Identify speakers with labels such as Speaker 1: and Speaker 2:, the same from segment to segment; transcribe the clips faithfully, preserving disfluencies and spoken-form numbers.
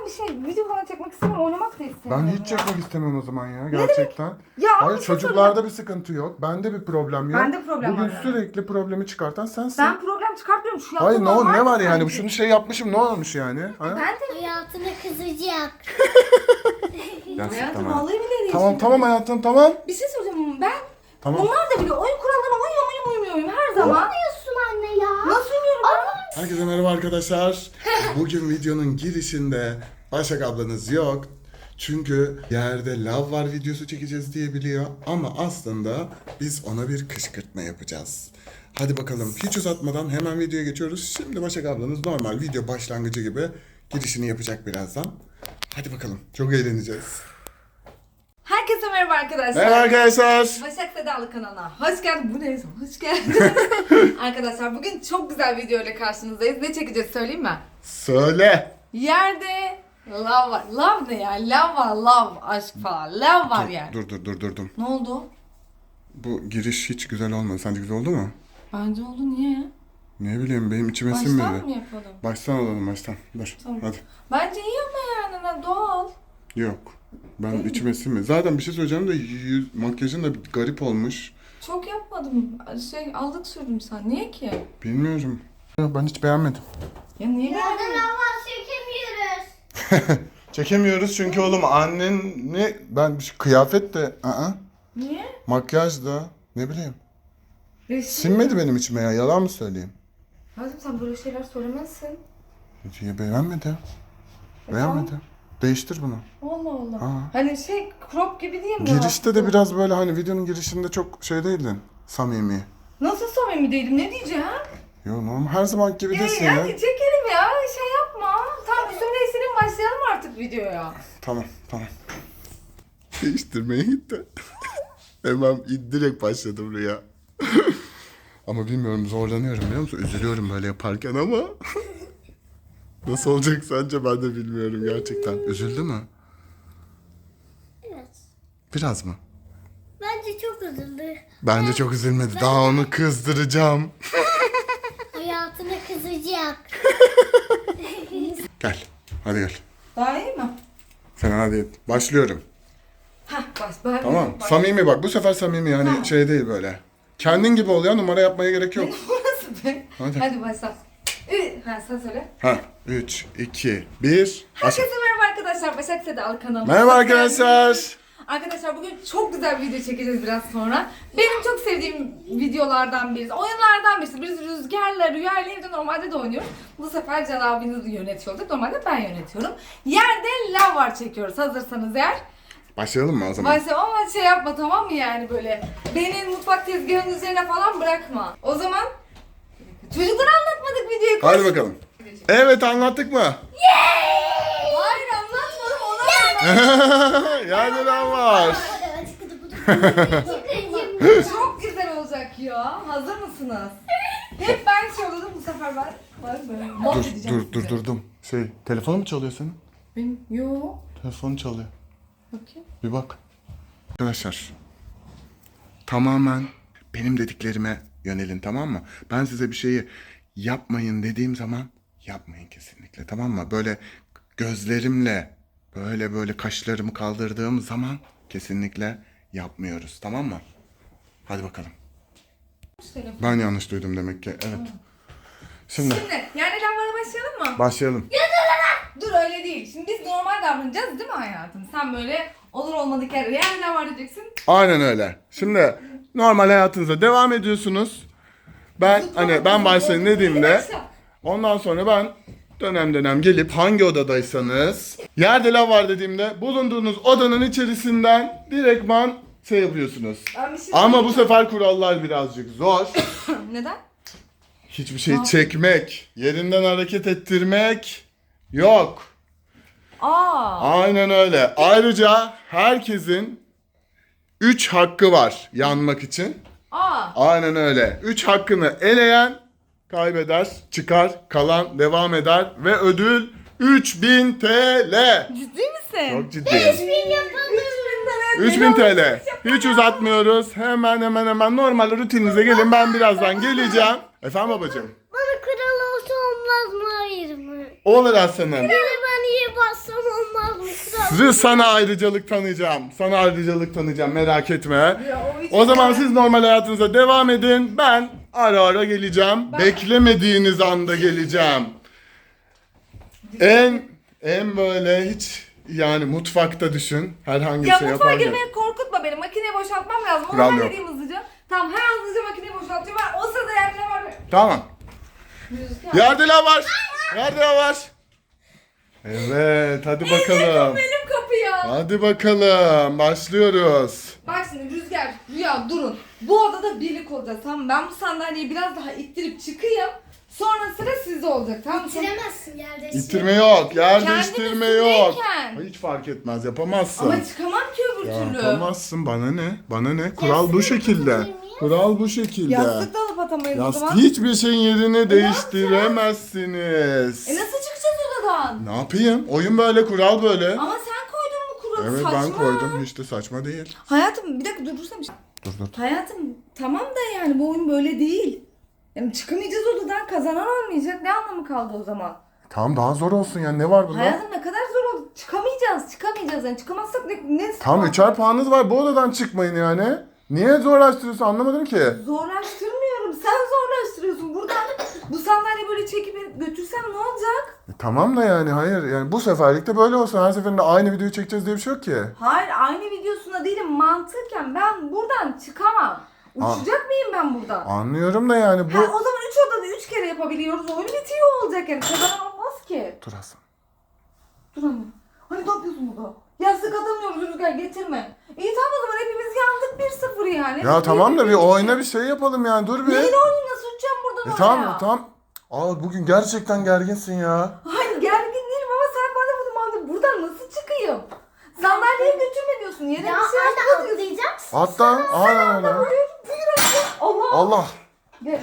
Speaker 1: bir şey video falan çekmek istemiyorum. Oynamak da istemiyorum.
Speaker 2: Ben hiç
Speaker 1: ya.
Speaker 2: çekmek istemem o zaman ya gerçekten.
Speaker 1: Ya ama
Speaker 2: Hayır
Speaker 1: bir şey
Speaker 2: çocuklarda bir sıkıntı yok. Bende bir problem yok.
Speaker 1: Bende problem
Speaker 2: Bugün
Speaker 1: var yani.
Speaker 2: sürekli problemi çıkartan sensin.
Speaker 1: Ben problem çıkartmıyorum. Şu
Speaker 2: Hayır
Speaker 1: yaptığım
Speaker 2: ne, o-
Speaker 1: normal
Speaker 2: ne var
Speaker 1: mi
Speaker 2: yani?
Speaker 1: sence?
Speaker 2: Şunu şey yapmışım ne olmuş yani? Ha?
Speaker 1: Ben de
Speaker 3: Hayatına kızacak.
Speaker 2: Gerçekten
Speaker 1: hayatım
Speaker 2: ha.
Speaker 1: vallahi bile
Speaker 2: Tamam tamam hayatım tamam.
Speaker 1: Bir şey söyleyeceğim. Ben
Speaker 2: Tamam.
Speaker 1: onlar da biliyor. Oyun kurallarına uyuyor muyum uyumuyor muyum her zaman.
Speaker 3: Diyorsun anne ya.
Speaker 1: Nasıl uyumuyorum ben?
Speaker 2: Herkese merhaba arkadaşlar. Bugün videonun girişinde Başak ablanız yok. Çünkü yerde lav var videosu çekeceğiz diye biliyor. Ama aslında biz ona bir kışkırtma yapacağız. Hadi bakalım hiç uzatmadan hemen videoya geçiyoruz. Şimdi Başak ablanız normal video başlangıcı gibi girişini yapacak birazdan. Hadi bakalım çok eğleneceğiz.
Speaker 1: Herkese merhaba arkadaşlar.
Speaker 2: Merhaba arkadaşlar.
Speaker 1: Başak Sedalı kanalına hoş geldin. Bu neyse hoş geldin. Arkadaşlar bugün çok güzel bir video ile karşınızdayız. Ne çekeceğiz söyleyeyim mi?
Speaker 2: Söyle.
Speaker 1: Yerde lav var. Lav ne ya? Lav var, lav, aşk falan. Lav var yani.
Speaker 2: Dur dur dur durdum.
Speaker 1: Ne oldu?
Speaker 2: Bu giriş hiç güzel olmadı. Sence güzel oldu mu?
Speaker 1: Bence oldu niye ya?
Speaker 2: Ne bileyim benim içime
Speaker 1: Baştan
Speaker 2: sinmedi.
Speaker 1: mı yapalım?
Speaker 2: Baştan alalım baştan. Dur
Speaker 1: Tamam.
Speaker 2: hadi.
Speaker 1: Bence iyi ama yani ne doğal.
Speaker 2: Yok. Ben içime sinmedi. Zaten bir şey söyleyeceğim de yüz, makyajın da bir garip olmuş.
Speaker 1: Çok yapmadım. Şey aldık sürdüm sen. Niye ki?
Speaker 2: Bilmiyorum. Ya ben hiç beğenmedim.
Speaker 1: Ya niye
Speaker 3: Yarın
Speaker 1: beğenmedin?
Speaker 3: hava çekemiyoruz.
Speaker 2: Çekemiyoruz çünkü oğlum annen ne ben bir şey- kıyafet de ı
Speaker 1: Niye?
Speaker 2: makyaj da ne bileyim.
Speaker 1: Resim.
Speaker 2: Sinmedi benim içime ya yalan mı söyleyeyim?
Speaker 1: Hazım sen böyle şeyler söylemezsin.
Speaker 2: Ya beğenmedi.
Speaker 1: E,
Speaker 2: Beğenmedi. Değiştir bunu.
Speaker 1: Allah Allah.
Speaker 2: Aa.
Speaker 1: Hani şey crop gibi değil mi?
Speaker 2: Girişte de biraz böyle hani videonun girişinde çok şey değildin. Samimi.
Speaker 1: Nasıl samimi değilim ne diyeceğim?
Speaker 2: Yo normal her zaman gibi
Speaker 1: Ya,
Speaker 2: değilsin
Speaker 1: ya,
Speaker 2: ya.
Speaker 1: çekelim ya şey yapma. Tamam üstümde isinim başlayalım artık videoya.
Speaker 2: Tamam tamam. Değiştirmeye gitti. Hemen direkt başladım Rüya. Ama bilmiyorum zorlanıyorum biliyor musun? Üzülüyorum böyle yaparken ama. Nasıl olacak sence ben de bilmiyorum gerçekten. Üzüldü mü?
Speaker 3: Evet.
Speaker 2: Biraz mı?
Speaker 3: Bence çok üzüldü.
Speaker 2: Bence çok üzülmedi. Daha onu kızdıracağım.
Speaker 3: Hayatına kızacak.
Speaker 2: Gel. Hadi gel.
Speaker 1: Daha iyi mi?
Speaker 2: Fena değil. Başlıyorum.
Speaker 1: Hah baş, baş,
Speaker 2: Tamam.
Speaker 1: baş.
Speaker 2: Samimi bak. Bu sefer samimi yani
Speaker 1: Tamam.
Speaker 2: şey değil böyle. Kendin gibi ol ya. Numara yapmaya gerek yok.
Speaker 1: Burası be.
Speaker 2: Hadi.
Speaker 1: Hadi başla. Ü, ha sen söyle.
Speaker 2: Ha. üç, iki, bir.
Speaker 1: Herkese merhaba arkadaşlar. Başak Sedalı kanalına.
Speaker 2: Merhaba
Speaker 1: hoş geldiniz.
Speaker 2: arkadaşlar.
Speaker 1: Arkadaşlar bugün çok güzel bir video çekeceğiz biraz sonra. Benim çok sevdiğim videolardan birisi, oyunlardan birisi. Biz Rüzgar'la, Rüya ile evde normalde de oynuyoruz. Bu sefer Can abiniz yönetiyor olacak. Normalde ben yönetiyorum. Yerde lav var çekiyoruz hazırsanız eğer.
Speaker 2: Başlayalım mı o zaman?
Speaker 1: Başlayalım ama şey yapma tamam mı yani böyle. Beni mutfak tezgahının üzerine falan bırakma. O zaman çocuklara anlatmadık videoyu.
Speaker 2: Hadi bakalım. Evet anlattık mı?
Speaker 1: Hayır anlatmadım ona.
Speaker 2: Yani lan var.
Speaker 1: Çok güzel olacak ya. Hazır mısınız? Hep ben söyledim bu sefer ben. Var böyle.
Speaker 2: Dur
Speaker 1: Mahvedeceğim
Speaker 2: dur dur
Speaker 1: sizi.
Speaker 2: durdum. Şey telefonu mu çalıyor senin?
Speaker 1: Benim yo.
Speaker 2: Telefonu çalıyor.
Speaker 1: Bakayım.
Speaker 2: Bir bak. Arkadaşlar tamamen benim dediklerime yönelin tamam mı? Ben size bir şeyi yapmayın dediğim zaman yapmayın kesinlikle tamam mı? Böyle gözlerimle böyle böyle kaşlarımı kaldırdığım zaman kesinlikle yapmıyoruz tamam mı? Hadi bakalım.
Speaker 1: Telefon.
Speaker 2: Ben yanlış duydum demek ki evet. Şimdi
Speaker 1: Şimdi yani lambara başlayalım mı?
Speaker 2: başlayalım.
Speaker 1: Dur öyle değil. Şimdi biz normal davranacağız değil mi hayatım? Sen böyle olur olmadık yerde yani ne var diyeceksin.
Speaker 2: Aynen öyle. Şimdi normal hayatınıza devam ediyorsunuz. Ben hani ben başlayın dediğimde ondan sonra ben dönem dönem gelip hangi odadaysanız yerde lav var dediğimde bulunduğunuz odanın içerisinden direktman şey yapıyorsunuz.
Speaker 1: Ben bir şey
Speaker 2: Ama bu sefer kurallar birazcık zor.
Speaker 1: Neden?
Speaker 2: Hiçbir şey çekmek, yerinden hareket ettirmek yok.
Speaker 1: Aa.
Speaker 2: Aynen öyle. Ayrıca herkesin üç hakkı var yanmak için.
Speaker 1: Aa.
Speaker 2: Aynen öyle. üç hakkını eleyen kaybeder, çıkar, kalan devam eder ve ödül üç bin T L.
Speaker 1: Ciddi misin?
Speaker 2: Çok ciddi.
Speaker 1: üç bin tane.
Speaker 2: üç bin T L. Hiç uzatmıyoruz. Hemen hemen hemen normal rutininize gelin. Ben birazdan geleceğim. Efendim babacığım?
Speaker 3: Bana kural olsa olmaz mı hayır mı?
Speaker 2: Olur aslanım.
Speaker 3: Yani ben iyi bassam
Speaker 2: Sizi sana ayrıcalık tanıyacağım. Sana ayrıcalık tanıyacağım, merak etme.
Speaker 1: Ya, o hiç
Speaker 2: O zaman
Speaker 1: yani.
Speaker 2: siz normal hayatınıza devam edin. Ben ara ara geleceğim.
Speaker 1: Ben-
Speaker 2: Beklemediğiniz anda geleceğim. En en böyle hiç yani mutfakta düşün. Herhangi bir
Speaker 1: Ya
Speaker 2: şey
Speaker 1: mutfağa
Speaker 2: yaparken.
Speaker 1: girmeye korkutma beni. Makineyi boşaltmam lazım. Onu
Speaker 2: Kural yok.
Speaker 1: halledeyim hızlıca. Tamam hemen hızlıca makineyi boşaltacağım. Ben o sırada yerde ne var?
Speaker 2: Tamam.
Speaker 1: Rüzgar.
Speaker 2: Yerde lav var. Yerde lav var. Evet, hadi bakalım.
Speaker 1: Benim kapı ya.
Speaker 2: Hadi bakalım. Başlıyoruz.
Speaker 1: Bak şimdi Rüzgar, Rüya durun. Bu odada birlik olacağız tamam mı? Ben bu sandalyeyi biraz daha ittirip çıkayım. Sonra sıra sizde olacak tamam mı?
Speaker 3: Bitiremezsin yerde.
Speaker 2: İttirme yok. Yer
Speaker 1: Kendim
Speaker 2: değiştirme yok.
Speaker 1: üstündeyken.
Speaker 2: Hiç fark etmez. Yapamazsın.
Speaker 1: Ama çıkamam ki öbür türlü.
Speaker 2: Yapamazsın. Bana ne? Bana ne? Kural bu
Speaker 3: Yastığı
Speaker 2: şekilde.
Speaker 3: atabilir miyim?
Speaker 2: Kural bu şekilde.
Speaker 1: Yastık da alıp atamayız o
Speaker 2: Yastık
Speaker 1: zaman.
Speaker 2: hiçbir şeyin yerini
Speaker 1: yapacağız?
Speaker 2: değiştiremezsiniz.
Speaker 1: E nasıl çıkacağız odadan?
Speaker 2: Ne yapayım? Oyun böyle, kural böyle.
Speaker 1: Ama sen koydun mu kuralı
Speaker 2: Evet
Speaker 1: saçma.
Speaker 2: ben koydum. Hiç de saçma değil.
Speaker 1: Hayatım bir dakika durdursana bir şey.
Speaker 2: Dur dur.
Speaker 1: Hayatım tamam da yani bu oyun böyle değil. Yani çıkamayacağız odadan kazanan olmayacak. Ne anlamı kaldı o zaman?
Speaker 2: Tamam daha zor olsun yani, ne var bunda?
Speaker 1: Hayatım ne kadar zor oldu. Çıkamayacağız. Çıkamayacağız yani. Çıkamazsak ne? ne
Speaker 2: Tam üçer puanınız var, bu odadan çıkmayın yani. Niye zorlaştırıyorsun anlamadım ki.
Speaker 1: Zorlaştırmıyorum. Sen zorlaştırıyorsun. Buradan bu sandalyeyi böyle çekip götürsem ne olacak?
Speaker 2: E, tamam da yani hayır yani bu seferlik de böyle olsun. Her seferinde aynı videoyu çekeceğiz diye bir şey yok ki.
Speaker 1: Hayır aynı videosunda değilim. Mantıken ben buradan çıkamam. Uçacak mıyım ben buradan?
Speaker 2: Anlıyorum da yani bu...
Speaker 1: Ha, o zaman üç odada üç kere yapabiliyoruz. Oyun bitiyor olacak yani. Kazanan olmaz ki.
Speaker 2: Dur Hasan.
Speaker 1: Dur anne. Hani ne yapıyorsun burada? Yastık atamıyoruz Rüzgar getirme. İyi tamam o zaman hepimiz yandık bir sıfır yani.
Speaker 2: Ya tamam da bir oyuna bir şey yapalım yani, dur bir.
Speaker 1: Neyin oyunu nasıl uçacağım buradan
Speaker 2: E
Speaker 1: oraya?
Speaker 2: tamam tamam. Aa bugün gerçekten gerginsin ya.
Speaker 1: Hayır gergin değilim ama sen bana bunu mandır. Buradan nasıl çıkayım? Sandalyeyi götürme diyorsun. Yere
Speaker 3: Ya
Speaker 1: bir şey
Speaker 3: hadi
Speaker 1: atma diyorsun.
Speaker 3: atlayacaksın.
Speaker 2: Hatta aynen öyle.
Speaker 1: Buyur, buyur anne. Allah.
Speaker 2: Allah.
Speaker 1: Gel.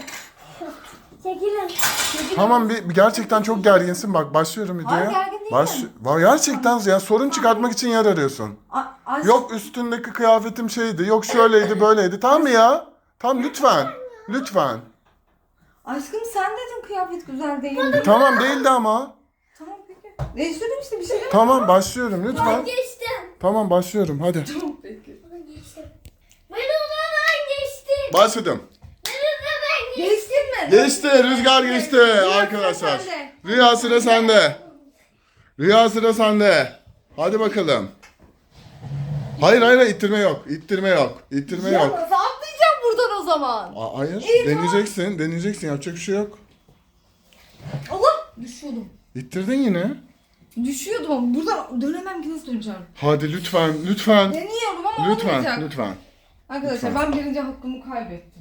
Speaker 3: Çekilin.
Speaker 2: Tamam bir, bir gerçekten çok gerginsin, bak başlıyorum videoya.
Speaker 1: Hayır, gergin değilim.
Speaker 2: Baş, Vay, gerçekten ya sorun çıkartmak için yer arıyorsun.
Speaker 1: A- aşk-
Speaker 2: Yok üstündeki kıyafetim şeydi, yok şöyleydi böyleydi, tamam mı ya? Tamam lütfen. Lütfen.
Speaker 1: Aşkım sen dedin kıyafet güzel değil.
Speaker 2: E, tamam değildi ama.
Speaker 1: Tamam peki. Değiştirdim işte bir şey demedim.
Speaker 2: Tamam başlıyorum
Speaker 3: Ben
Speaker 2: lütfen.
Speaker 3: geçtim.
Speaker 2: Tamam başlıyorum hadi.
Speaker 1: Tamam peki.
Speaker 3: Ben geçtim. Ben odadan geçtim.
Speaker 2: Başladım.
Speaker 3: Ben odadan geçtim.
Speaker 1: Geçtin mi?
Speaker 2: Geçti, Rüzgar geçti arkadaşlar. Rüya sıra sende. Rüya sıra sende. Hadi bakalım. Hayır hayır ittirme yok. İttirme yok. İttirme
Speaker 1: Ya
Speaker 2: yok.
Speaker 1: nasıl atlayacağım buradan o zaman?
Speaker 2: Aa, hayır.
Speaker 1: İyi, tamam.
Speaker 2: Deneyeceksin. Deneyeceksin. Yapacak bir şey yok.
Speaker 1: Allah düşüyordum.
Speaker 2: İttirdin yine.
Speaker 1: Düşüyordum ama buradan dönemem ki nasıl döneceğim?
Speaker 2: Hadi lütfen. Lütfen.
Speaker 1: Deniyorum ama
Speaker 2: Lütfen.
Speaker 1: olmayacak.
Speaker 2: Lütfen.
Speaker 1: Arkadaşlar ben birinci hakkımı kaybettim.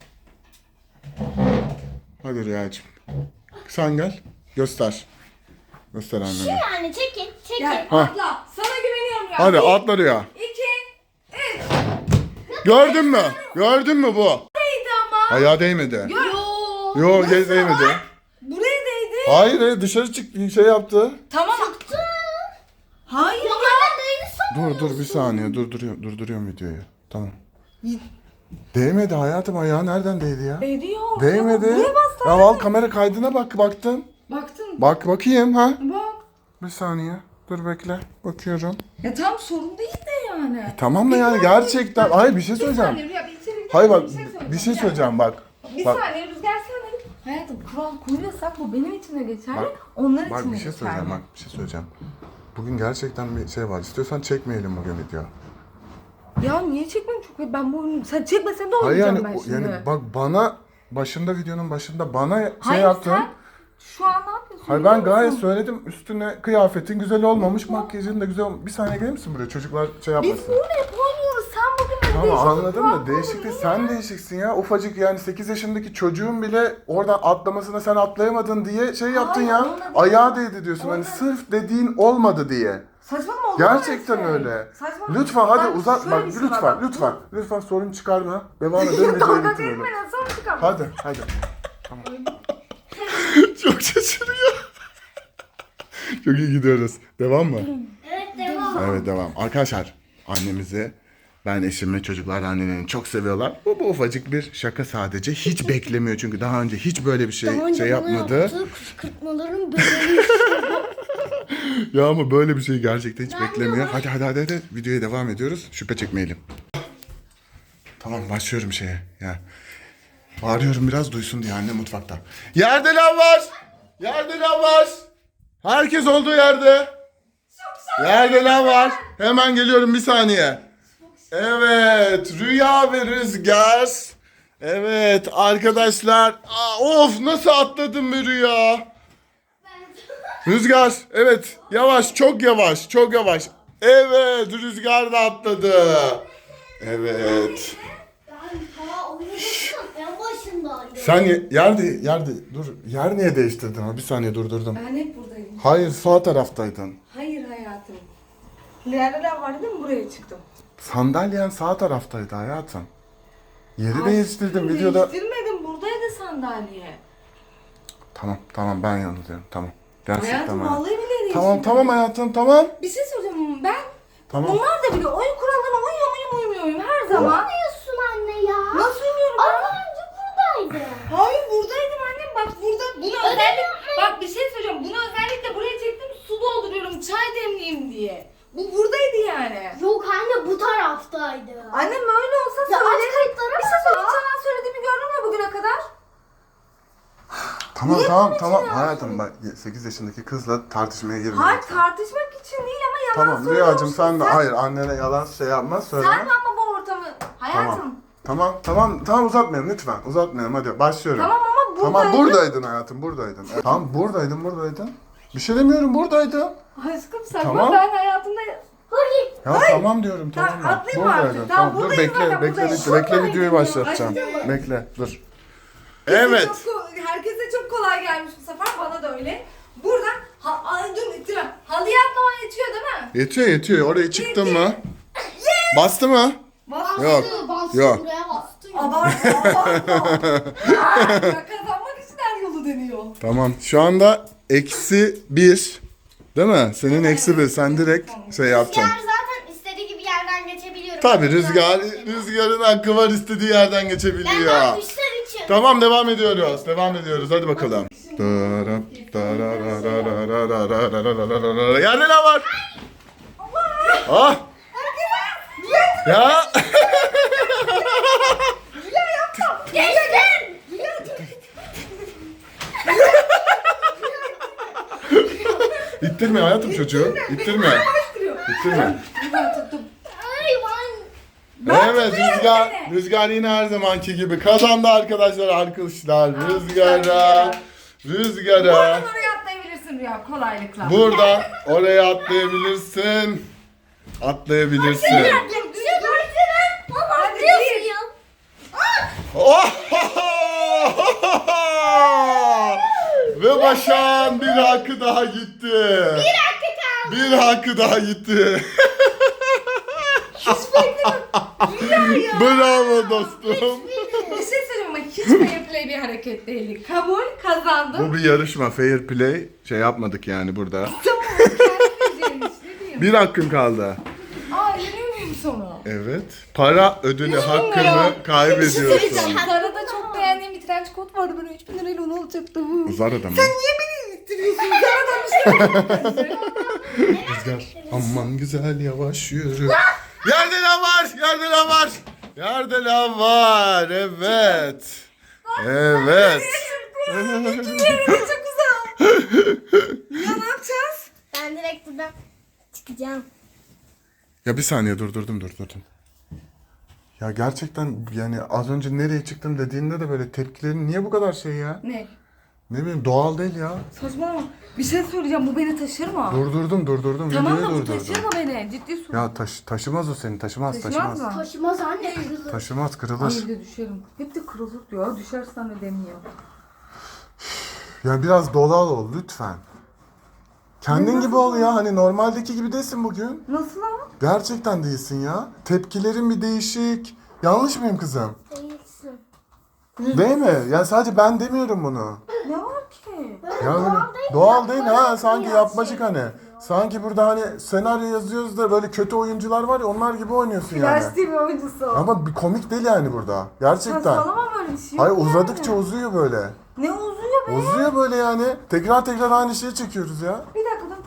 Speaker 2: Hadi Rüyacığım. Sen gel. Göster. Göster annene.
Speaker 3: Yani çekin. Çekin.
Speaker 1: Gel
Speaker 2: Ha.
Speaker 1: atla. Sana güveniyorum ya.
Speaker 2: Hadi
Speaker 1: Bir,
Speaker 2: atla Rüya.
Speaker 1: İki, üç.
Speaker 2: Gördün mü? Gördün mü bu?
Speaker 1: Neydi ama?
Speaker 2: Ayağa değmedi.
Speaker 1: Yo.
Speaker 2: Yo
Speaker 1: Nasıl
Speaker 2: değmedi.
Speaker 1: var? Buraya değdi.
Speaker 2: Hayır hayır, dışarı çıktı, şey yaptı.
Speaker 1: Tamam. Hayır ya.
Speaker 2: Dur dur bir saniye, durduruyorum durduruyorum videoyu. Tamam. Değmedi hayatım, ayağı nereden değdi ya?
Speaker 1: Değiyor.
Speaker 2: Değmedi.
Speaker 1: Buraya bastı.
Speaker 2: Ya al kamera kaydına bak, baktım.
Speaker 1: Baktın.
Speaker 2: Bak bakayım ha.
Speaker 1: Bak.
Speaker 2: Bir saniye. Dur bekle. Bakıyorum.
Speaker 1: Ya tam sorun değil de yani.
Speaker 2: Tamam da
Speaker 1: Bir
Speaker 2: yani
Speaker 1: saniye.
Speaker 2: gerçekten. Hayır bir şey
Speaker 1: Bir
Speaker 2: söyleyeceğim.
Speaker 1: saniye Rüya, bir içeri bir
Speaker 2: Hayır bak
Speaker 1: dakika,
Speaker 2: bir şey söyleyeceğim bak.
Speaker 1: Bir
Speaker 2: Bak
Speaker 1: saniye Rüzgar sen de hayatım kural koyuyorsak bu benim için de geçerli,
Speaker 2: Bak,
Speaker 1: onlar için
Speaker 2: bak
Speaker 1: de
Speaker 2: bir şey
Speaker 1: geçerli.
Speaker 2: söyleyeceğim bak bir şey söyleyeceğim. Bugün gerçekten bir şey var. İstiyorsan çekmeyelim bugün video.
Speaker 1: Ya niye çekmem çok ben bu oyunu sen çekmesen de
Speaker 2: Hayır
Speaker 1: oynayacağım
Speaker 2: yani
Speaker 1: ben
Speaker 2: o-
Speaker 1: şimdi.
Speaker 2: yani bak bana başında videonun başında bana şey
Speaker 1: Hayır
Speaker 2: yaptın.
Speaker 1: sen şu an ne yapıyorsun?
Speaker 2: Hayır
Speaker 1: biliyor
Speaker 2: ben gayet
Speaker 1: musun?
Speaker 2: söyledim, üstüne kıyafetin güzel olmamış, makyajın da güzel olmamış. Bir saniye gelir misin buraya, çocuklar şey
Speaker 1: Biz
Speaker 2: yapmasın.
Speaker 1: bunu hep oynuyoruz. Sen bugün böyle
Speaker 2: Tamam
Speaker 1: değişik bir
Speaker 2: anladım
Speaker 1: kural
Speaker 2: da değişik
Speaker 1: koydun,
Speaker 2: değil,
Speaker 1: değil
Speaker 2: sen
Speaker 1: mi?
Speaker 2: değişiksin ya. Ufacık yani sekiz yaşındaki çocuğun bile oradan atlamasına sen atlayamadın diye şey yaptın
Speaker 1: Hayır,
Speaker 2: ya.
Speaker 1: onunla değil.
Speaker 2: Ayağı değdi diyorsun hani
Speaker 1: Onunla-
Speaker 2: sırf dediğin olmadı diye.
Speaker 1: Saçmalama olur mu
Speaker 2: Gerçekten
Speaker 1: şey?
Speaker 2: öyle.
Speaker 1: Saçmalama.
Speaker 2: Lütfen hadi
Speaker 1: Bak,
Speaker 2: uzat
Speaker 1: şöyle
Speaker 2: bak
Speaker 1: bir şey
Speaker 2: lütfen
Speaker 1: var, bak.
Speaker 2: lütfen. Lütfen sorun çıkarma. Devam edelim
Speaker 1: Ya
Speaker 2: videoyu
Speaker 1: dalga
Speaker 2: bitirelim.
Speaker 1: geçme lan sonra çıkar.
Speaker 2: Hadi hadi. Tamam. Çok şaşırıyor. Çok iyi gidiyoruz. Devam mı?
Speaker 3: Evet devam.
Speaker 2: Evet devam. Arkadaşlar annemizi ben eşimi çocuklar annelerini çok seviyorlar. Bu, bu ufacık bir şaka sadece. Hiç beklemiyor çünkü daha önce hiç böyle bir şey
Speaker 3: Daha önce
Speaker 2: şey
Speaker 3: bana
Speaker 2: yapmadı.
Speaker 3: yaptığı kışkırtmaların bedeli işte bu.
Speaker 2: Ya ama böyle bir şey gerçekten hiç beklemiyor. Hadi hadi hadi hadi videoya devam ediyoruz. Şüphe çekmeyelim. Tamam başlıyorum şeye ya. Bağırıyorum biraz duysun diye anne mutfakta. Yerde lav var. Yerde lav var. Herkes olduğu yerde. Yerde lav var. Hemen geliyorum bir saniye. Evet Rüya ve Rüzgar. Evet arkadaşlar. Aa, of nasıl atladım be Rüya. Rüzgar evet yavaş çok yavaş çok yavaş. Evet Rüzgar da atladı. Evet.
Speaker 3: Ben daha oynamıştım en başındaydım.
Speaker 2: Sen ye- yerde yerde dur yer niye değiştirdin ha bir saniye durdurdum.
Speaker 1: Ben hep buradayım.
Speaker 2: Hayır sağ taraftaydın.
Speaker 1: Hayır hayatım. Nereler var değil mi? Buraya çıktım.
Speaker 2: Sandalyen sağ taraftaydı hayatım. Yeri
Speaker 1: Aşkım,
Speaker 2: değiştirdim videoda.
Speaker 1: Değiştirmedim. Buradaydı sandalye.
Speaker 2: Tamam tamam ben yanılıyorum tamam. Gerçekten
Speaker 1: Hayatım
Speaker 2: ben.
Speaker 1: vallahi bile değiştirdim.
Speaker 2: Tamam tamam hayatım tamam.
Speaker 1: Bir şey söyleyeceğim. Ben
Speaker 2: Tamam.
Speaker 1: onlar da biliyor. Oyun kurallarına uyuyor muyum uyumuyor muyum her zaman.
Speaker 3: Yapıyorsun anne ya.
Speaker 1: Nasıl uyuyorum
Speaker 3: Az
Speaker 1: ben?
Speaker 3: önce buradaydı.
Speaker 1: Hayır buradaydım annem. Bak burada bunu
Speaker 3: Öyle
Speaker 1: özellikle
Speaker 3: yapmayın.
Speaker 1: bak bir şey söyleyeceğim. Bunu özellikle buraya çektim su dolduruyorum çay demleyeyim diye. Bu buradaydı yani.
Speaker 3: Yok anne bu taraftaydı.
Speaker 1: Annem öyle olsa
Speaker 3: Ya aç
Speaker 1: söyle.
Speaker 3: kayıtlara
Speaker 1: Bir şey
Speaker 3: bak
Speaker 1: söyleyeyim.
Speaker 3: ya.
Speaker 1: Sana söylediğimi gördün mü bugüne kadar?
Speaker 2: Tamam
Speaker 1: Niye
Speaker 2: tamam
Speaker 1: bunu
Speaker 2: tamam
Speaker 1: içine
Speaker 2: hayatım bak sekiz yaşındaki kızla tartışmaya girme.
Speaker 1: Hayır
Speaker 2: lütfen.
Speaker 1: tartışmak için değil ama yalan
Speaker 2: Tamam
Speaker 1: söylüyorsun.
Speaker 2: Rüyacığım sen de hayır annene yalan şey yapma söyleme.
Speaker 1: Sen de ama bu ortamı hayatım.
Speaker 2: Tamam. Tamam tamam tamam uzatmayalım lütfen uzatmayalım hadi başlıyorum.
Speaker 1: Tamam ama buradaydın.
Speaker 2: Tamam buradaydın hayatım buradaydın. Evet, tamam buradaydın buradaydın. Bir şey demiyorum buradaydın.
Speaker 1: Aşkım sakın
Speaker 2: Tamam.
Speaker 1: ben hayatımda...
Speaker 3: Hayır.
Speaker 2: Ya tamam diyorum tamam.
Speaker 1: Tamam,
Speaker 2: mı?
Speaker 1: atlayayım artık.
Speaker 2: Buradaydın.
Speaker 1: Tamam,
Speaker 2: dur
Speaker 1: buradayım
Speaker 2: bekle
Speaker 1: zaten,
Speaker 2: bekle
Speaker 1: buradayım.
Speaker 2: bekle bekle
Speaker 1: Buradaydım
Speaker 2: videoyu
Speaker 1: ya.
Speaker 2: başlatacağım.
Speaker 1: Başlayacağım.
Speaker 2: Bekle dur. Evet.
Speaker 1: Çok, ko- herkese çok kolay gelmiş bu sefer bana da öyle. Burada ha, ay, dur ittirem. Halıya atlaman yetiyor değil mi?
Speaker 2: Yetiyor yetiyor oraya çıktın mı? Bastı mı?
Speaker 1: Bastı.
Speaker 2: Yok.
Speaker 3: Bastı
Speaker 2: Yok.
Speaker 3: buraya bastı.
Speaker 1: Abartma abartma. Ya kazanmak için her yolu deniyor.
Speaker 2: Tamam şu anda eksi bir. Değil mi? Senin eksi bir. Sen direkt şey yapacaksın.
Speaker 3: Rüzgar zaten istediği gibi yerden geçebiliyorum.
Speaker 2: Tabii rüzgar, rüzgarın hakkı var istediği yerden
Speaker 3: Ben
Speaker 2: geçebiliyor.
Speaker 3: daha düşler için.
Speaker 2: Tamam devam ediyoruz. Devam ediyoruz. Hadi bakalım. Yerde ne var? Ah! Ya!
Speaker 3: Geçtim.
Speaker 2: İttirme hayatım çocuğu. İttirme. İttirme.
Speaker 1: Ben tuttum.
Speaker 3: Ay ben.
Speaker 2: Evet Rüzgar, Rüzgar yine her zamanki gibi kazandı arkadaşlar arkadaşlar. Rüzgar'a, Rüzgar'a.
Speaker 1: Buradan oraya atlayabilirsin Rüya kolaylıkla.
Speaker 2: Buradan oraya atlayabilirsin. Atlayabilirsin.
Speaker 1: Dur, dur, dur. Hadi bir.
Speaker 2: Oh! Ve Başak'ın bir hakkı daha gitti.
Speaker 3: Bir hakkı kaldı.
Speaker 2: Bir hakkı daha gitti. Bravo dostum.
Speaker 1: Bir şey söyleyeyim ama hiç fair play bir hareket değil. Kabul kazandım.
Speaker 2: Bu bir yarışma, fair play. Şey yapmadık yani burada.
Speaker 1: Tamam kendi bileceğin iş ne diyeyim.
Speaker 2: Bir hakkın kaldı.
Speaker 1: Aa yeniyor muyum sonra?
Speaker 2: Evet. Para ödülü hakkını kaybediyorsun.
Speaker 1: Zara'da çok beğendiğim bir trench coat vardı. Böyle üç bin lirayla onu alacaktım.
Speaker 2: Zara'da mı?
Speaker 1: Niye beni ittiriyorsun? Zara'dan bir şey
Speaker 2: Rüzgar. Aman güzel yavaş yürü. Yerde lav var. Yerde lav var. Yerde lav var. Evet. Evet.
Speaker 1: çok güzel. Ya ne yapacağız?
Speaker 3: Ben direkt buradan çıkacağım.
Speaker 2: Ya bir saniye durdurdum durdurdum. Ya gerçekten yani az önce nereye çıktım dediğinde de böyle tepkilerin niye bu kadar şey ya?
Speaker 1: Ne?
Speaker 2: Ne bileyim doğal değil ya.
Speaker 1: Saçmalama. Bir şey söyleyeceğim. Bu beni taşır mı?
Speaker 2: Durdurdum durdurdum
Speaker 1: Tamam
Speaker 2: videoyu
Speaker 1: da bu
Speaker 2: durdurdum.
Speaker 1: taşır mı beni? Ciddi sor.
Speaker 2: Ya taş, taşımaz o seni taşımaz
Speaker 1: Taşımaz
Speaker 2: taşımaz.
Speaker 1: mı?
Speaker 3: Taşımaz anne kırılır.
Speaker 2: Taşımaz
Speaker 1: Ay
Speaker 2: kırılır.
Speaker 1: bir de düşerim. Hep de kırılır diyor. Düşersen de demiyor.
Speaker 2: Ya biraz doğal ol lütfen. Kendin gibi ol ya hani normaldeki gibi değilsin bugün.
Speaker 1: Nasıl ama?
Speaker 2: Gerçekten değilsin ya. Tepkilerin bir değişik. Yanlış mıyım kızım?
Speaker 3: Değilsin.
Speaker 2: Değil mi? Yani sadece ben demiyorum bunu.
Speaker 1: Ne var ki?
Speaker 2: Ya böyle
Speaker 3: Doğal değil,
Speaker 2: doğal değil ha
Speaker 3: yapmacık
Speaker 2: sanki
Speaker 3: biraz
Speaker 2: yapmacık
Speaker 3: şey
Speaker 2: hani. Sanki burada hani senaryo yazıyoruz da böyle kötü oyuncular var ya onlar gibi oynuyorsun yani.
Speaker 1: Flash T V oyuncusu.
Speaker 2: Ama bir komik değil yani burada. Gerçekten.
Speaker 1: Saçmalama böyle bir şey yok
Speaker 2: Hayır
Speaker 1: yani.
Speaker 2: uzadıkça uzuyor böyle.
Speaker 1: Ne uzuyor be?
Speaker 2: Uzuyor böyle yani. Tekrar tekrar aynı şeyi çekiyoruz ya.
Speaker 1: Bir dakika dur.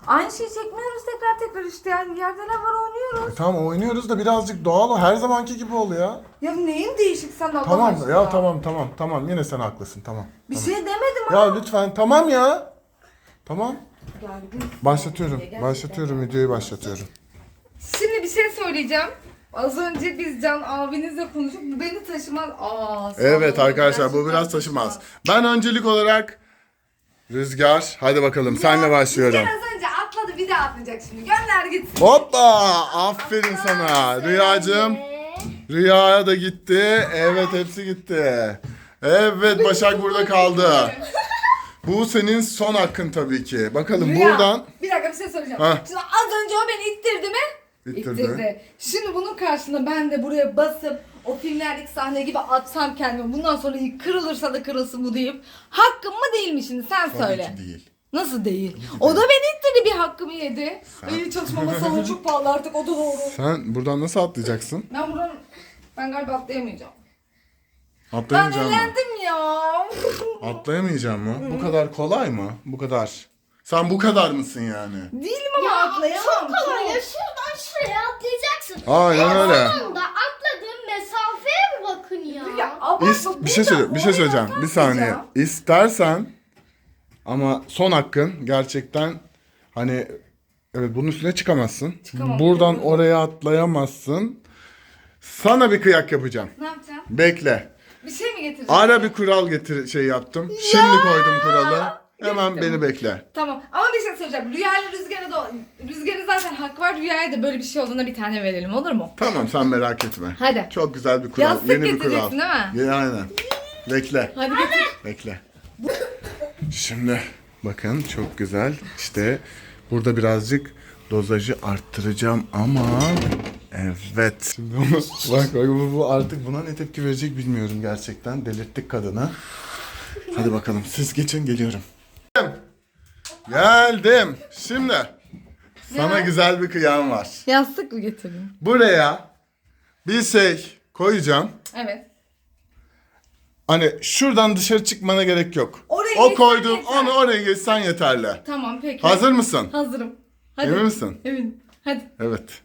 Speaker 1: Aynı şeyi çekmiyoruz tekrar tekrar işte yani yerde ne var oynuyoruz.
Speaker 2: E tamam oynuyoruz da birazcık doğal ol. Her zamanki gibi ol ya.
Speaker 1: Ya neyin değişik sen Allah
Speaker 2: Tamam
Speaker 1: aşkına?
Speaker 2: ya tamam tamam tamam yine sen haklısın tamam.
Speaker 1: Bir
Speaker 2: tamam.
Speaker 1: şey demedim
Speaker 2: Ya
Speaker 1: ama.
Speaker 2: lütfen tamam ya. Tamam.
Speaker 1: Gergin.
Speaker 2: Başlatıyorum.
Speaker 1: Gerçekten.
Speaker 2: Başlatıyorum videoyu başlatıyorum.
Speaker 1: Şimdi bir şey söyleyeceğim. Az önce biz Can abinizle konuşup bu beni taşımaz. Aa, sağ
Speaker 2: Evet
Speaker 1: olun.
Speaker 2: arkadaşlar bu
Speaker 1: Gerçekten
Speaker 2: biraz taşımaz. Ben öncelik olarak Rüzgar hadi bakalım senle
Speaker 1: Ya,
Speaker 2: başlıyorum.
Speaker 1: Rüzgar az önce atladı bir de atlayacak şimdi. Gönder gitsin.
Speaker 2: Hoppa! Aferin sana. Rüyacığım.
Speaker 3: Ee,
Speaker 2: Rüyaya da gitti. Evet hepsi gitti. Evet Başak burada kaldı. Bu senin son hakkın tabii ki. Bakalım
Speaker 1: Rüya,
Speaker 2: buradan.
Speaker 1: Bir dakika bir şey söyleyeceğim.
Speaker 2: Ha.
Speaker 1: Şimdi az önce o beni ittirdi mi?
Speaker 2: İttirdi.
Speaker 1: Şimdi bunun karşısında ben de buraya basıp o filmlerdeki sahne gibi atsam kendimi. Bundan sonra kırılırsa da kırılsın bu deyip hakkım mı değil mi şimdi sen
Speaker 2: Tabii
Speaker 1: söyle.
Speaker 2: ki değil.
Speaker 1: Nasıl değil? O da beni ittirdi bir hakkımı yedi.
Speaker 2: Sen-
Speaker 1: Ay çalışma masaları çok pahalı artık o da doğru.
Speaker 2: Sen buradan nasıl atlayacaksın?
Speaker 1: Ben buradan ben galiba atlayamayacağım. Ben
Speaker 2: Atlayamayacağım mı?
Speaker 1: eğlendim ya.
Speaker 2: Atlayamayacağım mı? Bu kadar kolay mı? Bu kadar. Sen bu kadar mısın yani?
Speaker 1: Değilim ama
Speaker 3: Ya
Speaker 1: atlayamam.
Speaker 3: çok kolay ya.
Speaker 1: çok.
Speaker 3: Şuradan şuraya atlayacaksın.
Speaker 2: Aynen
Speaker 3: En
Speaker 2: öyle.
Speaker 3: sonunda atladığın mesafeye bir bakın ya.
Speaker 1: Ya, ama
Speaker 2: İs,
Speaker 1: bu-
Speaker 2: bir şey söyle, bir şey
Speaker 1: oraya
Speaker 2: söyleyeceğim. Bir saniye.
Speaker 1: atlayacağım.
Speaker 2: İstersen ama son hakkın gerçekten hani evet bunun üstüne çıkamazsın.
Speaker 1: Çıkamam.
Speaker 2: Buradan oraya atlayamazsın. Sana bir kıyak yapacağım.
Speaker 1: Ne yapacağım?
Speaker 2: Bekle.
Speaker 1: Bir şey mi getireceğim?
Speaker 2: Ara bir kural getir şey yaptım. Şimdi koydum kuralı. Hemen
Speaker 1: Getirdim.
Speaker 2: beni bekle.
Speaker 1: Tamam ama bir şey söyleyeceğim. Rüya ile Rüzgar'a da Rüzgar'a zaten hak var. Rüyaya da böyle bir şey olduğunda bir tane verelim olur mu?
Speaker 2: Tamam sen merak etme.
Speaker 1: Hadi.
Speaker 2: Çok güzel bir kural.
Speaker 1: Yastık
Speaker 2: Yeni bir kural.
Speaker 1: getireceksin değil mi?
Speaker 2: Ya, aynen. Bekle.
Speaker 1: Hadi getir.
Speaker 2: Bekle. Şimdi bakın çok güzel. İşte burada birazcık dozajı arttıracağım ama evet. Şimdi onu, bak bak bu, bu artık buna ne tepki verecek bilmiyorum gerçekten. Delirttik kadını. Hadi bakalım siz geçin geliyorum. Geldim. Şimdi sana
Speaker 1: Ne?
Speaker 2: güzel bir kıyam var.
Speaker 1: Yastık mı getirdin?
Speaker 2: Buraya bir şey koyacağım.
Speaker 1: Evet.
Speaker 2: Hani şuradan dışarı çıkmana gerek yok.
Speaker 1: Oraya
Speaker 2: o
Speaker 1: geçsen
Speaker 2: koyduğum
Speaker 1: yeter.
Speaker 2: onu oraya geçsen yeterli.
Speaker 1: Tamam peki.
Speaker 2: Hazır mısın?
Speaker 1: Hazırım. Hadi.
Speaker 2: Emin misin?
Speaker 1: Eminim. Hadi.
Speaker 2: Evet.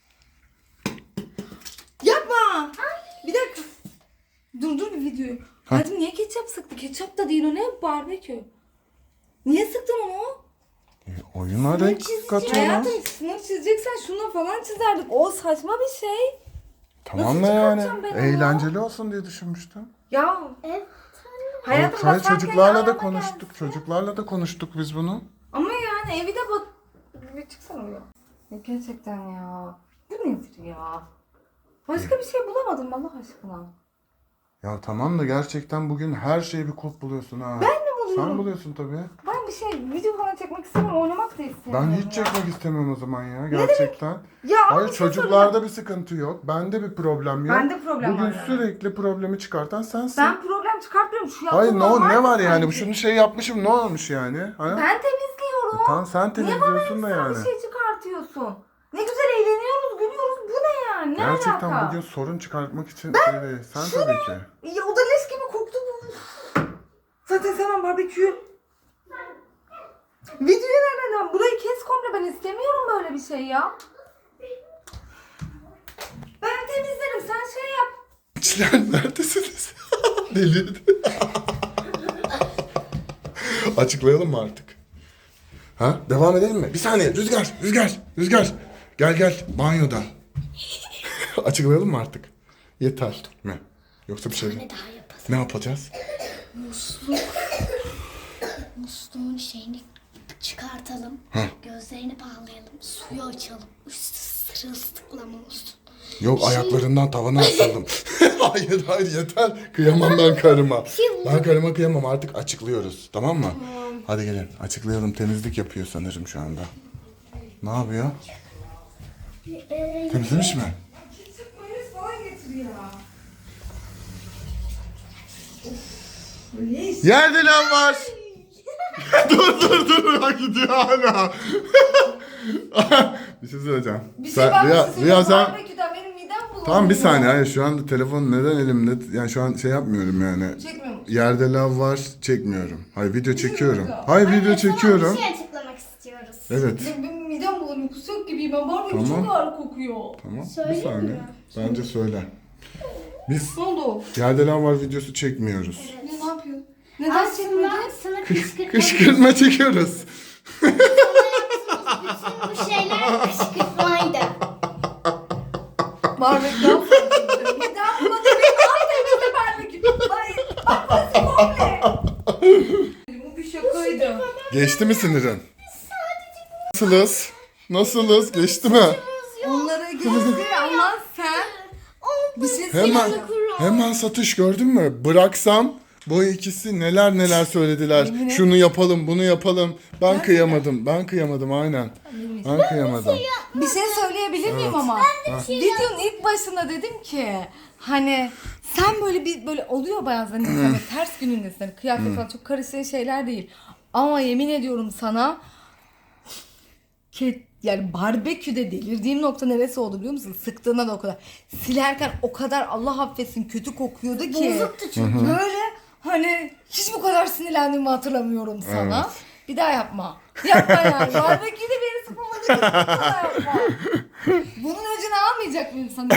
Speaker 1: Yapma. Bir dakika. Dur dur bir videoyu.
Speaker 2: Ha?
Speaker 1: Hadi niye ketçap sıktı? Ketçap da değil o ne? Barbekü. Niye sıktın onu?
Speaker 2: E, oyuna renk katıyorlar.
Speaker 1: Hayatım sınır çizeceksen şuna falan çizerdik. O saçma bir şey.
Speaker 2: Tamam da
Speaker 1: Nasıl
Speaker 2: yani.
Speaker 1: çıkartacağım ben onu?
Speaker 2: Eğlenceli olsun diye düşünmüştüm.
Speaker 1: Ya
Speaker 3: Evet.
Speaker 1: hayatım
Speaker 2: Hayır,
Speaker 1: basarken
Speaker 2: çocuklarla da
Speaker 1: ayağıma
Speaker 2: konuştuk.
Speaker 1: gelsin.
Speaker 2: Çocuklarla da konuştuk biz bunu.
Speaker 1: Ama yani evi de bak... Bir çıksana ya. Ya gerçekten ya. Bu nedir ya? Başka bir şey bulamadım Allah aşkına.
Speaker 2: Ya tamam da gerçekten bugün her şeyi bir kulp buluyorsun ha.
Speaker 1: Ben mi buluyorum?
Speaker 2: Sen buluyorsun tabii.
Speaker 1: Ben bir şey video falan çekmek istemiyorum. Oynamak da istemiyorum.
Speaker 2: Ben hiç
Speaker 1: ya.
Speaker 2: çekmek istemiyorum o zaman ya gerçekten.
Speaker 1: Ya ama
Speaker 2: Hayır
Speaker 1: bir şey
Speaker 2: çocuklarda
Speaker 1: soracağım.
Speaker 2: bir sıkıntı yok. Bende bir problem yok.
Speaker 1: Bende problem
Speaker 2: Bugün
Speaker 1: var yani.
Speaker 2: sürekli problemi çıkartan sensin.
Speaker 1: Ben problem çıkartmıyorum. Şu
Speaker 2: Hayır
Speaker 1: yaptığım
Speaker 2: ne, o-
Speaker 1: normal
Speaker 2: ne
Speaker 1: mi
Speaker 2: var yani?
Speaker 1: sanki?
Speaker 2: Şunu şey yapmışım ne olmuş yani? Ha?
Speaker 1: Ben temizliyorum.
Speaker 2: Tamam sen
Speaker 1: Niye bana
Speaker 2: temizliyorsun da
Speaker 1: ekstra
Speaker 2: yani.
Speaker 1: bir şey çıkartıyorsun? Ne güzel eğleniyoruz, gülüyoruz. Bu ne yani? Ne
Speaker 2: Gerçekten
Speaker 1: alaka?
Speaker 2: bugün sorun çıkartmak için şey değil. Sen tabii ki.
Speaker 1: Ya o da leş gibi koktu bu. Zaten sevmem barbeküyü. Videoyu nereden? Burayı kes komple, ben istemiyorum böyle bir şey ya. Ben temizlerim, sen şey yap.
Speaker 2: İçler neredesiniz? Delirdi. Açıklayalım mı artık? Ha? Devam edelim mi? Bir saniye. Rüzgar, Rüzgar, Rüzgar. Gel gel banyoda. Açıklayalım mı artık? Yeter mi? Yoksa bir şey mi?
Speaker 3: Ne daha yapalım?
Speaker 2: Ne yapacağız?
Speaker 3: Musluk. Musluğun şeyini çıkartalım. Gözlerini bağlayalım. Suyu açalım. Üstü sırılsıklam olsun.
Speaker 2: Yok ayaklarından tavana asalım. hayır hayır yeter. Kıyamam ben karıma. Ben karıma kıyamam artık açıklıyoruz. Tamam mı? Hadi gelin açıklayalım. Temizlik yapıyor sanırım şu anda. Ne yapıyor? Temizlemiş mi?
Speaker 1: Ketçap mayonez falan getir ya. Leş.
Speaker 2: Yerde lan var. dur dur dur. Bak gidiyor hala. bir şey söyleyeceğim.
Speaker 1: Bir şey
Speaker 2: Sen-
Speaker 1: ben
Speaker 2: Rüya,
Speaker 1: bir şey
Speaker 2: Rüya
Speaker 1: söyleyeyim.
Speaker 2: sen...
Speaker 1: Barbeküden benim midem bulanıyor.
Speaker 2: Tamam bir saniye. Hayır şu anda telefon neden elimde? Yani şu an şey yapmıyorum yani.
Speaker 1: Çekmiyor musun?
Speaker 2: Yerde lav var çekmiyorum. Hayır video çekiyorum.
Speaker 1: video.
Speaker 2: Hayır
Speaker 3: Anne,
Speaker 2: video
Speaker 3: sana
Speaker 2: çekiyorum.
Speaker 3: bir şey açıklamak istiyoruz.
Speaker 2: Evet.
Speaker 1: Ya benim midem bulanıyor. Kusacak gibiyim ben. Barbekü
Speaker 2: Tamam.
Speaker 1: çok ağır kokuyor.
Speaker 2: Tamam. Bir
Speaker 3: Söyleyeyim
Speaker 2: saniye.
Speaker 3: mi?
Speaker 2: Bence söyle. Biz
Speaker 1: Ne oldu?
Speaker 2: Yerde Lav Var videosu çekmiyoruz.
Speaker 1: Ne, ne yapıyorsun? Neden
Speaker 3: Aslında
Speaker 1: çekmedin?
Speaker 3: sana kışkırtma.
Speaker 2: Kışkırtma çekiyoruz.
Speaker 3: Bütün bu şeyler kışkırtmaydı.
Speaker 1: Barbekü yapmadım. Midem bulanıyor. Benim ağzımda barbekü. Hayır. Bak burası komple. Bu bir şakaydı.
Speaker 2: Geçti mi sinirin? Nasılız? Nasılız? Geçti mi?
Speaker 1: Onlara geçti ama sen bir şey
Speaker 2: Hemen
Speaker 1: söyleyeyim.
Speaker 2: hemen satış gördün mü? Bıraksam bu ikisi neler neler söylediler.
Speaker 1: Yemin et.
Speaker 2: Şunu yapalım, bunu yapalım. Ben kıyamadım. Ben kıyamadım aynen. Ben kıyamadım.
Speaker 1: Bir şey söyleyebilir miyim ama? Videonun ilk başında dedim ki hani sen böyle bir böyle oluyor bazen insan böyle ters günündesin. Hani kıyafet falan çok karışan şeyler değil. Ama yemin ediyorum sana ki yani barbeküde delirdiğim nokta neresi oldu biliyor musun? Sıktığında da o kadar. Silerken o kadar Allah affetsin kötü kokuyordu ki.
Speaker 3: Bozuktu çünkü.
Speaker 1: Böyle hani hiç bu kadar sinirlendiğimi hatırlamıyorum sana.
Speaker 2: Evet.
Speaker 1: Bir daha yapma. Yapma yani. Barbeküde beni sıkmamak için bir daha yapma. Bunun öcünü almayacak mıyım sana?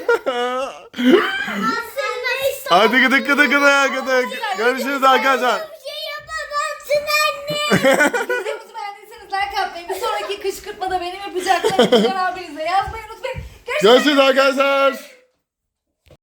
Speaker 3: Aslında işte
Speaker 2: Hadi gıdık gıdık gıdık gıdık. Görüşürüz arkadaşlar.
Speaker 3: bir şey yapamazsın anne.
Speaker 1: Videomuzu beğendiyseniz like atmayı, bir sonraki kışkırtmada benim yapacaklarımı abinize yazmayı unutmayın. Görüşmek üzere.
Speaker 2: Görüşürüz arkadaşlar.